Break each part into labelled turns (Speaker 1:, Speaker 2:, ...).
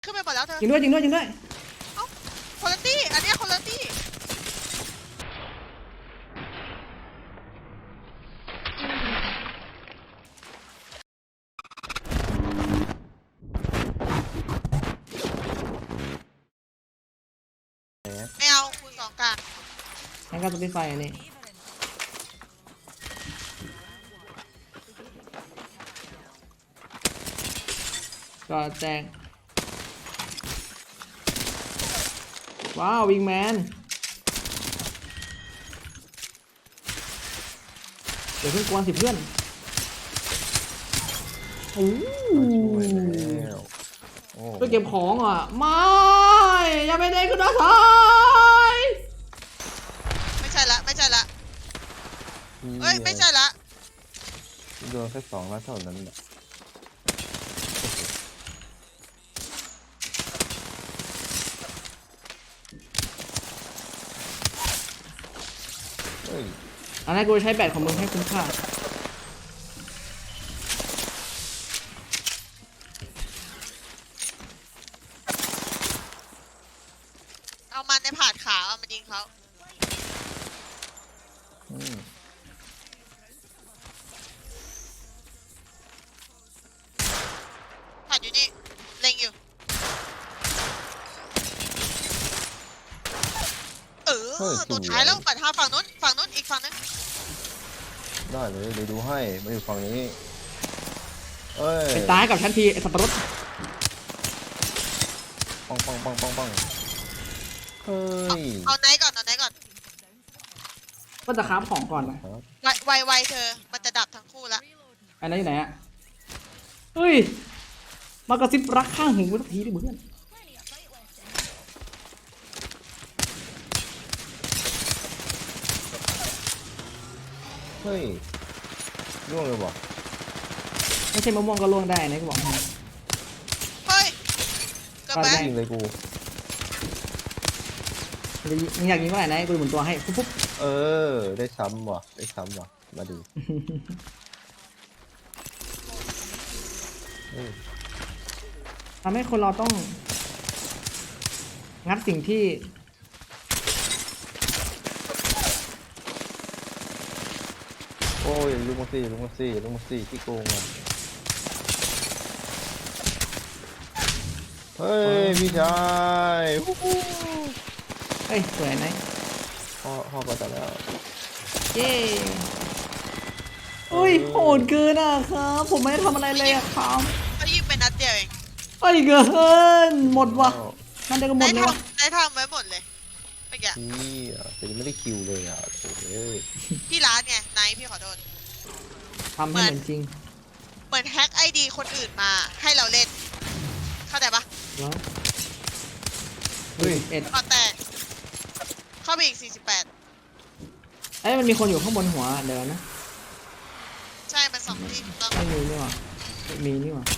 Speaker 1: ขึ้นไปหมดแล้วเธอ
Speaker 2: จริงด้วยจริงด้วยจริงด้วย
Speaker 1: เอ้าคนละตี้อันเนี้ยคนละตี้ไม่เอาคูณ2กลาง
Speaker 2: งั้นก็สปิดไฟอันนี้ก็แจกว้าววิงแมนเดี๋ยวเพิ่งกวนสิเพื่อนโอ้ไปเก็บของอ่ะไม่อย่าไปเด็กคุณน้าชาย
Speaker 1: ไม่ใช่ละไม่ใช่ละเอ้ยไม่ใช่ละ
Speaker 3: โดนแค่2 นัดเท่านั้นแหละเฮ้ย
Speaker 2: อันนั้นกูใช้แบตของมึงให้คุ้มค่า
Speaker 1: เอามันในผาดขาเอามายิงเขา
Speaker 3: อืม
Speaker 1: ผาดอยู่นี่เล็งอยู่ตัวท้ายแล้วปัดหาฝั่งนู้นอีกฝั่งนึง
Speaker 3: ได้เลยเดี๋ยวดูให้มาอยู่ฝั่งนี้เอ้ย
Speaker 2: ไปตายกับฉันทีไอ้สับปะรด
Speaker 3: ปังปังปังปังปังเฮ้ย
Speaker 1: เอาไหนก่อน
Speaker 2: ก็จะคราฟของก่อนนะครับ
Speaker 1: ไวเธอมันจะดับทั้งคู่ละ
Speaker 2: อันนั้นอยู่ไหนอะเฮ้ยมากระซิบรักข้างหูสักทีดิเพื่อน
Speaker 3: เฮ้ยร่วงเลยบ่
Speaker 2: ไม่ใช่มะม่วงก็ล่วงได้นะกูบอกให้
Speaker 1: เฮ้ยเกิดไป
Speaker 3: ยิงเลยกู
Speaker 2: มึงอยากยิงเมื่อไหร่นะกูหมุนตัวให้ปุ๊บ
Speaker 3: เออได้ซ้ำว่ะมาดูเฮ้ย
Speaker 2: ทำให้คนเราต้องงัดสิ่งที่
Speaker 3: โอ้ยลุงมาซี่ที่โกงอ่ะเฮ้ยพี่ชายฮู้ฮู้
Speaker 2: เฮ้ยสวยไหม
Speaker 3: พ่อก็จะแล้ว
Speaker 2: เย้อุ้ยโหดเกินอ่ะครับผมไม่ได้ทำอะไรเลยอ่ะครับ
Speaker 1: เขายิงเป็นนัดเดียวเอง
Speaker 2: เฮ้ยเกินหมดว่ะนั่นเดียวก็หมดเลยวะ
Speaker 1: ได้ทำไว้หมดเลยเมื่อกี้
Speaker 3: นี่อ่ะแต่ยังไม่ได้คิวเลยอ่ะโอ้ย
Speaker 1: ที่ร้านไงไนท์พี่ขอโทษ
Speaker 2: ทำให้เหมือนจริง
Speaker 1: เหมือนแฮ็กไอดีคนอื่นมาให้เราเล่นเข้าใจปะ
Speaker 2: แล้ว
Speaker 3: เฮ้ย
Speaker 2: เอ็ด
Speaker 1: ก่อนแต่เข้าไปอีก48
Speaker 2: เอ้ยมันมีคนอยู่ข้างบนหัวเดี๋ยวนะ
Speaker 1: ใช่มัน2 ที่ถูกต้อง
Speaker 2: ไม่มีนี่หว่าไม่มีนี่หว่า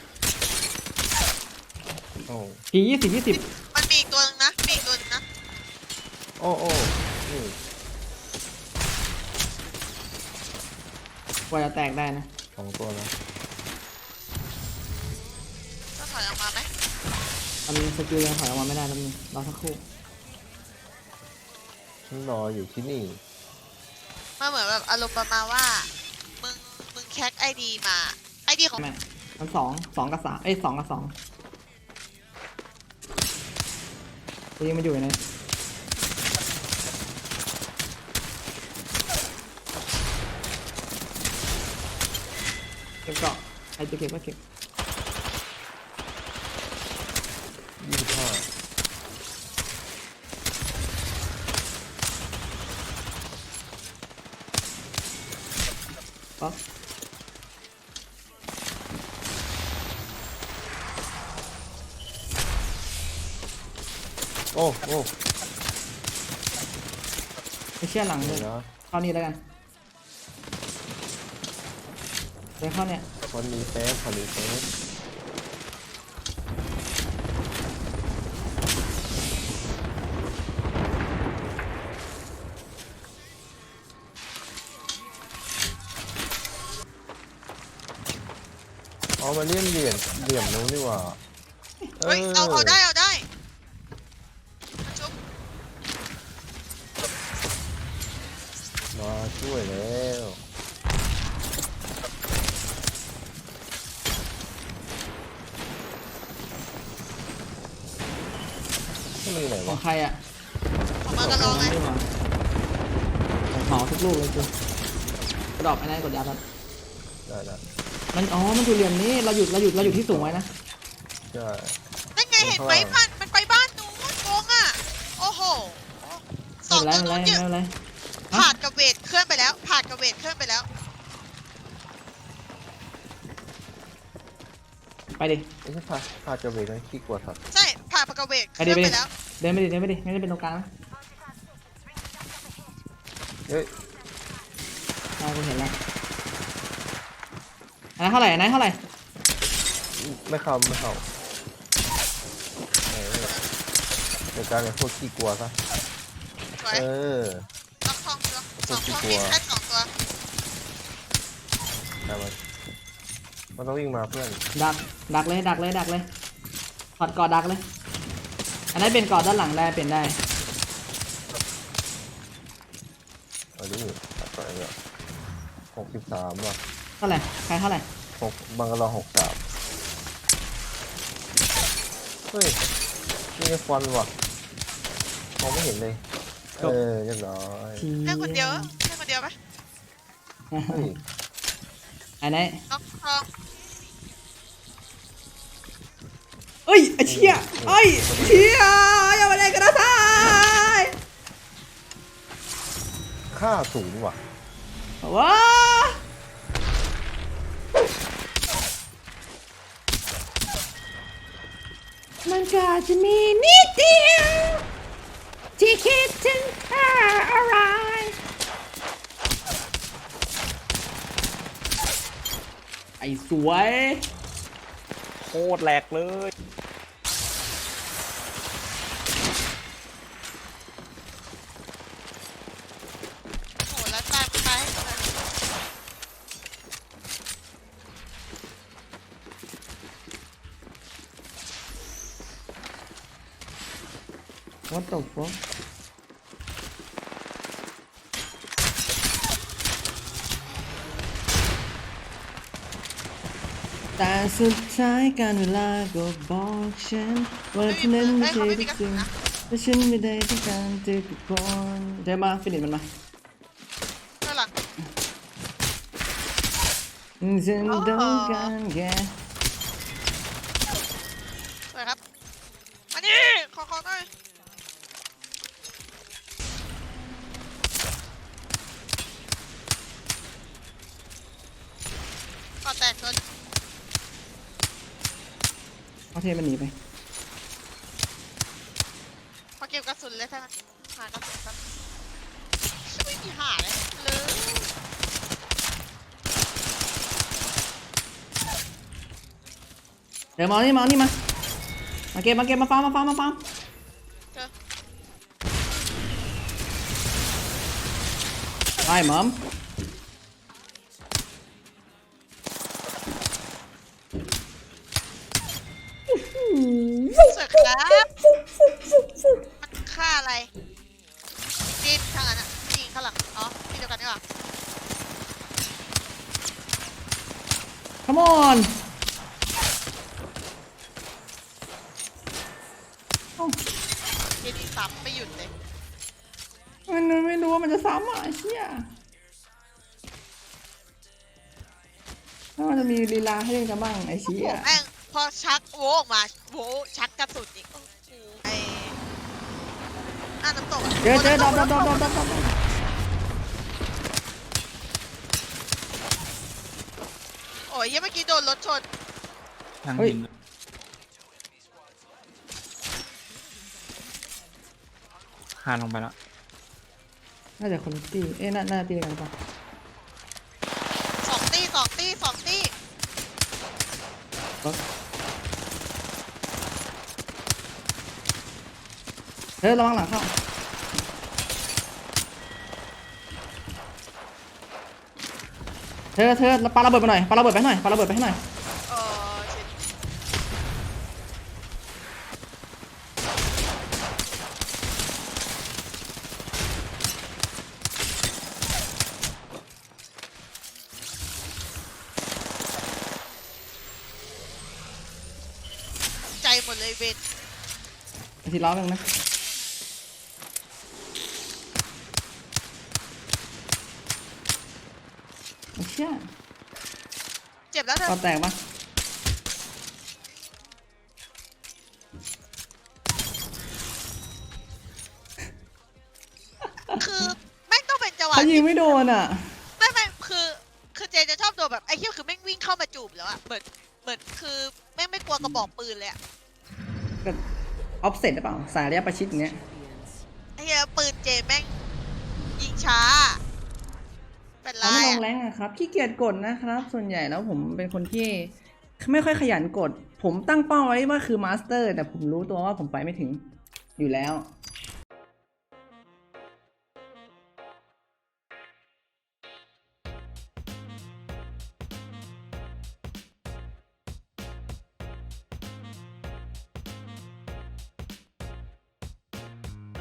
Speaker 3: โอ้
Speaker 2: ที20
Speaker 1: มันมีอีกตัวนึงนะมีอีกตัวนึงนะ
Speaker 3: โอ้นี่
Speaker 2: กว่าจะแตกได้นะ
Speaker 3: 2 ตัวนะ
Speaker 1: ก็ถอยออกมาไหม
Speaker 2: มันสกิลยังถอยออกมาไม่ได้แล้วมึงรอสักครู่
Speaker 3: ฉันรออยู่ที่นี่
Speaker 1: มันเหมือนแบบอารมณ์ประมาณว่ามึงแฮ็กไอดีมาไอดีของ
Speaker 2: แม่มันสองกับ3เอ้ย2 กับ 2กูยังมาอยู่ในเก็บเกาะใครจะเก็บก็เก็บ
Speaker 3: 25
Speaker 2: ปั๊บ
Speaker 3: โอ้
Speaker 2: ไม่เชื่อหลังเล
Speaker 3: เดี๋ย
Speaker 2: ยว
Speaker 3: นะ
Speaker 2: เข้านี่แล้วกันเดินเข้าเนี่ย
Speaker 3: คนนี้เซฟ อ๋อมาเลี่ยมเหลี่ยมนู้นนี่หว่า
Speaker 1: เฮ้ยเอาได้ชุบ
Speaker 3: มาช่วยแล้วนี่มันอยู่ไหน
Speaker 2: ขอ
Speaker 3: วะ
Speaker 2: งใครอ่ะ
Speaker 1: ผมมากระลองไง
Speaker 2: ของหอทุกลูกเลยกูกระดอกไอ้นั่นกดยับครับ
Speaker 3: ได้
Speaker 2: มันมันอยู่เหลี่ยมนี้เราหยุดที่สูงไว้นะ
Speaker 3: ใช่
Speaker 1: นั่นไงเห็นไหมมันไปบ้านนู้นโกงอ่ะโอ้โหส
Speaker 2: ไม่
Speaker 1: อง
Speaker 2: เป็นไร
Speaker 1: ตัว
Speaker 2: ไม่เป็นไร
Speaker 1: นู้น
Speaker 2: ไม่เป็นไร
Speaker 1: ผ่านกับเวทเคลื่อนไปแล้วผ่านกับเวทเคลื่อนไปแล้ว
Speaker 2: ไปดิ
Speaker 3: ไอ้ที่พาจะเวทนั่นขี้กลัวสัตว์
Speaker 1: ใช่ผ่านกับเวทเค
Speaker 2: ไปดิ
Speaker 1: ลื่อน
Speaker 2: ไป
Speaker 1: ไป
Speaker 2: ดิ
Speaker 1: แล้ว
Speaker 2: เดินไปดิไม่ได้เป็นตรงกลางนะ
Speaker 3: เฮ้ย
Speaker 2: กูเห็นแล้วอันนั้นเท่าไหร่
Speaker 3: ไม่เข้าเดี๋ยวการเนี่ยพวกขี้กลัวซะ
Speaker 1: สวย ล็อกทองตัวสองตัวมีแค่สองตัว
Speaker 3: ได้ไหมมันต้องวิ่งมาเพื่อน
Speaker 2: ดักเลยถอดกอดดักเลยอันนั้นเป็นกอดด้านหลังได้เป็นได้
Speaker 3: เอาดิตัดไปเลย63ว่ะ
Speaker 2: เท่าไหร่ใครเท่าไหร่
Speaker 3: บังกะโล63เฮ้ยนี่ไงฟันว่ะมองไม่เห็นเลยเรียบร้อย
Speaker 1: แค่คนเดียวไหม
Speaker 3: เฮ้ย
Speaker 2: อันไหน
Speaker 1: ล็อกทอง
Speaker 2: เอ้ยไอ้เชี่ยอย่ามาเล่นกันนะทาย
Speaker 3: ค่าสูงว่ะ
Speaker 2: ว้ามันก็จะมีนิดเดียวที่คิดถึงค่าอะไรไอ้สวยโคตรแหลกเลย
Speaker 1: โหแล้วตามไปให้หมดเลย
Speaker 2: What the fuck แต่สุดท้ายการเวลาก็บอกฉันว่าเธอนั้นไม่ใช่ทุกสิ่งและฉันไม่ได้ต้องการเธอทุกคนเดี๋ยวมาฟินิชมันมา
Speaker 1: ข้างหลัง
Speaker 2: ฉันต้องการแค่
Speaker 1: สวยครับมาดิขอหน่อยก่อแตกตัว
Speaker 2: เอาเทมันหนีไป
Speaker 1: พอเก็บกระสุนเลยใช่ไหมหากระสุนครับไม่มีหาเลย
Speaker 2: เดี๋ยวมานี่มาเก็บมาฟาร์ม
Speaker 1: เจอ
Speaker 2: ไปหมอม
Speaker 1: สวยครับมันฆ่าอะไรจีนข้างหลังอ่ะจีนข้างหลังอ๋อที่เดียวกันดีกว่า
Speaker 2: Come on
Speaker 1: เจดีซ้ำไม่หยุดเลย
Speaker 2: มันไม่รู้ว่ามันจะซ้ำอ่ะไอ้เชี่ยถ้ามันจะมีลีลาให้เล่นกันบ้างไอ้เชี่
Speaker 1: โอ้
Speaker 2: ย
Speaker 1: แม่งพอชักโวออกมาโวชักกระสุนอีกโอ้โหไอ้น้ำตกอะ
Speaker 2: เจอดอก
Speaker 1: โอ้ยยังเมื่อกี้โดนรถชน
Speaker 4: ทางหินคานลงไปแล้ว
Speaker 2: น่าจะคนละตีน่าตีกันป่ะ
Speaker 1: สองตี
Speaker 2: ระวังหลังเข้าเธอปาระเบิดไปหน่อยปาระเบิดไปให้หน่อย
Speaker 1: เออหมดเลยเวน
Speaker 2: อาทิตย์ล้อกันนะโอ้เชี่ย
Speaker 1: เจ็บแล้วเธอ
Speaker 2: ปอแตกปะ
Speaker 1: คือแม่งต้องเป็นจังหวะ
Speaker 2: เขายิ
Speaker 1: ที่
Speaker 2: งไม่โดนอ่ะ
Speaker 1: ไม่คือเจจะชอบตัวแบบไอ้เหี้ยคือแม่งวิ่งเข้ามาจูบแล้วอะเหมือนคือแม่งไม่กลัวกระบอกปืนเลยอะ
Speaker 2: ก็ออฟเซ็ตหรือเปล่าสายระยะประชิดอย่างเงี้ย
Speaker 1: ไอ้เหี้ยปืนเจแม่งยิงช้า เป็นไร
Speaker 2: เขาไม่ลง
Speaker 1: อะ
Speaker 2: แรงอะครับขี้เกียจกดนะครับ ส่วนใหญ่แล้วผมเป็นคนที่ไม่ค่อยขยันกด ผมตั้งเป้าไว้ว่าคือมาสเตอร์แต่ผมรู้ตัวว่าผมไปไม่ถึงอยู่แล้ว